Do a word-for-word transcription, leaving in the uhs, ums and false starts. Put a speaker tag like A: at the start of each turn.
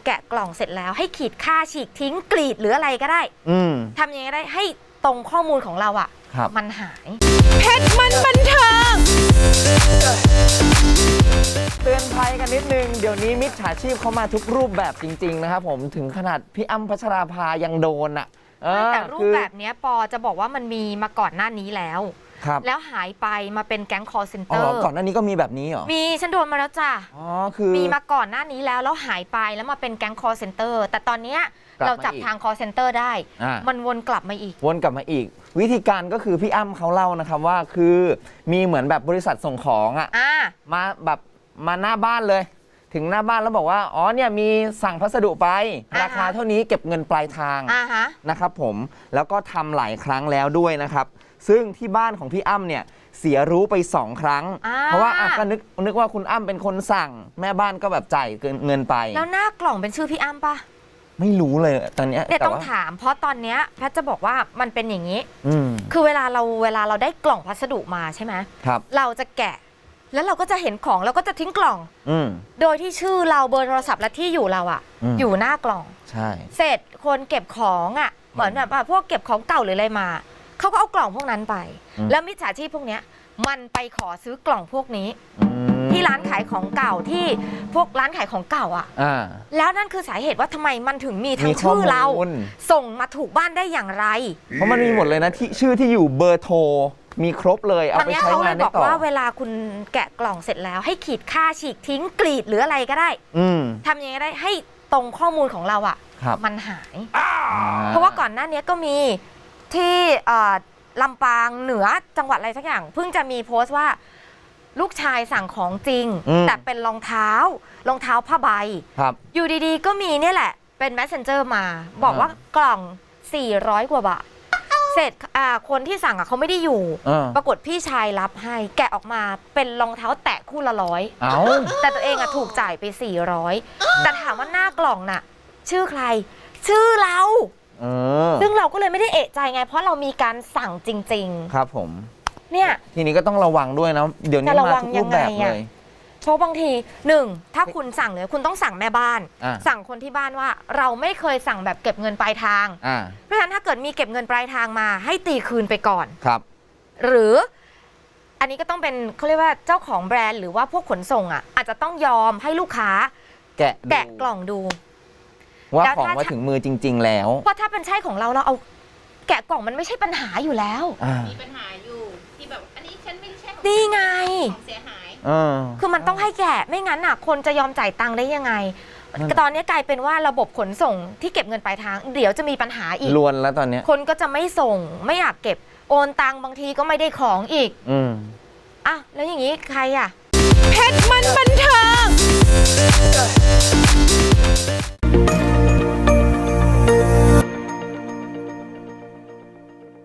A: แกะกล่องเสร็จแล้วให้ขีดค่าฉีกทิ้งกรีดหรืออะไรก็ได้ทำยังไงก็ได้ให้ตรงข้อมูลของเราอ่ะมันหาย
B: เพชรมันบันเทิง
C: เตือนภัยกันนิดนึงเดี๋ยวนี้มิจฉาชีพเข้ามาทุกรูปแบบจริงๆนะครับผมถึงขนาดพี่อ้ำพัชราภายังโดนอ่ะ
A: แต่รูปแบบนี้ปอจะบอกว่ามันมีมาก่อนหน้านี้แล้วแล้วหายไปมาเป็นแก๊งคอร์เซนเตอร์
C: ก่อนหน้านี้ก็มีแบบนี้เหรอ
A: มีฉันโดนมาแล้วจ้ะ
C: อ๋อคือ
A: มีมาก่อนหน้านี้แล้วแล้วหายไปแล้วมาเป็นแก๊งคอร์เซนเตอร์แต่ตอนนี้เราจับทางคอร์เซนเตอร์ได้มันวนกลับมาอีก
C: วนกลับมาอีกวิธีการก็คือพี่อ้ำเขาเล่านะครับว่าคือมีเหมือนแบบบริษัทส่งของอ่ะมาแบบมาหน้าบ้านเลยถึงหน้าบ้านแล้วบอกว่าอ๋อเนี่ยมีสั่งพัสดุไปราคาเท่านี้เก็บเงินปลายทางนะครับผมแล้วก็ทำหลายครั้งแล้วด้วยนะครับซึ่งที่บ้านของพี่อ้ำเนี่ยเสียรู้ไปสองครั้งเพราะว่าอ่ะก็นึกนึกว่าคุณอ้ำเป็นคนสั่งแม่บ้านก็แบบจ่ายเงินไป
A: แล้วหน้ากล่องเป็นชื่อพี่อ้ำปะ
C: ไม่รู้เลยตอนนี้
A: เนี่ยต้องถามเพราะตอนนี้แพทย์จะบอกว่ามันเป็นอย่างนี้คือเวลาเราเวลาเราได้กล่องพัสดุมาใช่ไหม
C: ครับ
A: เราจะแกะแล้วเราก็จะเห็นของเราก็จะทิ้งกล่องโดยที่ชื่อเราเบอร์โทรศัพท์และที่อยู่เราอ่ะอยู่หน้ากล่อง
C: ใช่
A: เสร็จคนเก็บของอ่ะเหมือนแบบพวกเก็บของเก่าหรืออะไรมาเขาก็เอากล่องพวกนั้นไปแล้วมิจฉาชีพพวกนี้มันไปขอซื้อกล่องพวกนี้ที่ร้านขายของเก่าที่พวกร้านขายของเก่าอ่ะแล้วนั่นคือสาเหตุว่าทำไมมันถึงมีทั้งชื่อเราส่งมาถูกบ้านได้อย่างไร
C: เพราะมันมีหมดเลยนะที่ชื่อที่อยู่เบอร์โทรมีครบเลยเอาไปใช้งานได้ต่อ
A: บอกว่าเวลาคุณแกะกล่องเสร็จแล้วให้ขีดค่าฉีกทิ้งกรีดหรืออะไรก็ได้ทำยังไงก็ได้ให้ตรงข้อมูลของเราอ่ะมันหายเพราะว่าก่อนหน้านี้ก็มีที่ลำปางเหนือจังหวัดอะไรสักอย่างเพิ่งจะมีโพสต์ว่าลูกชายสั่งของจริงแต่เป็นรองเท้ารองเท้าผ้าใบอยู่ดีๆก็มีเนี่ยแหละเป็น messenger มาบอกว่ากล่องสี่ร้อยกว่าบาทเสร็จคนที่สั่งอ่ะเขาไม่ได้อยู่ปรากฏพี่ชายรับให้แกะออกมาเป็นรองเท้าแตะคู่ละร้อยแต่ตัวเองอ่ะถูกจ่ายไปสี่ร้อยแต่ถามว่าหน้ากล่องน่ะชื่อใครชื่อเราซึ่งเราก็เลยไม่ได้เอะใจไงเพราะเรามีการสั่งจริง
C: ๆครับผม
A: เนี่ย
C: ทีนี้ก็ต้องระวังด้วยนะเดี๋ยวนี้มาทุกรูปแบบเลย
A: เพราะบางทีหนึ่งถ้าคุณสั่งเลยคุณต้องสั่งแม่บ้านสั่งคนที่บ้านว่าเราไม่เคยสั่งแบบเก็บเงินปลายทางเพราะฉะนั้นถ้าเกิดมีเก็บเงินปลายทางมาให้ตีคืนไปก่อน
C: ครับ
A: หรืออันนี้ก็ต้องเป็นเขาเรียกว่าเจ้าของแบรนด์หรือว่าพวกขนส่งอ่ะอาจจะต้องยอมให้ลูกค้า
C: แกะ
A: แกะกล่องดู
C: ว่าของมาถึงมือจริงๆแล้ว
A: เพราะถ้าเป็นใช่ของเราเราเอาแกะกล่องมันไม่ใช่ปัญหาอยู่แล้ว
B: มีปัญหาอยู่ที่แบบอันนี้ฉันไม่ใช่ของ
A: นี่ไง
B: ของเสียหาย
A: คือมันต้องให้แกะไม่งั้นน่ะคนจะยอมจ่ายตังค์ได้ยังไงตอนนี้กลายเป็นว่าระบบขนส่งที่เก็บเงินปลายทางเดี๋ยวจะมีปัญหาอีก
C: ลวนแล้วตอนนี้
A: คนก็จะไม่ส่งไม่อยากเก็บโอนตังค์บางทีก็ไม่ได้ของอีก
C: อืม
A: อ่ะแล้วอย่างนี้ใครอ่ะ
B: เพชรมันบันเทิง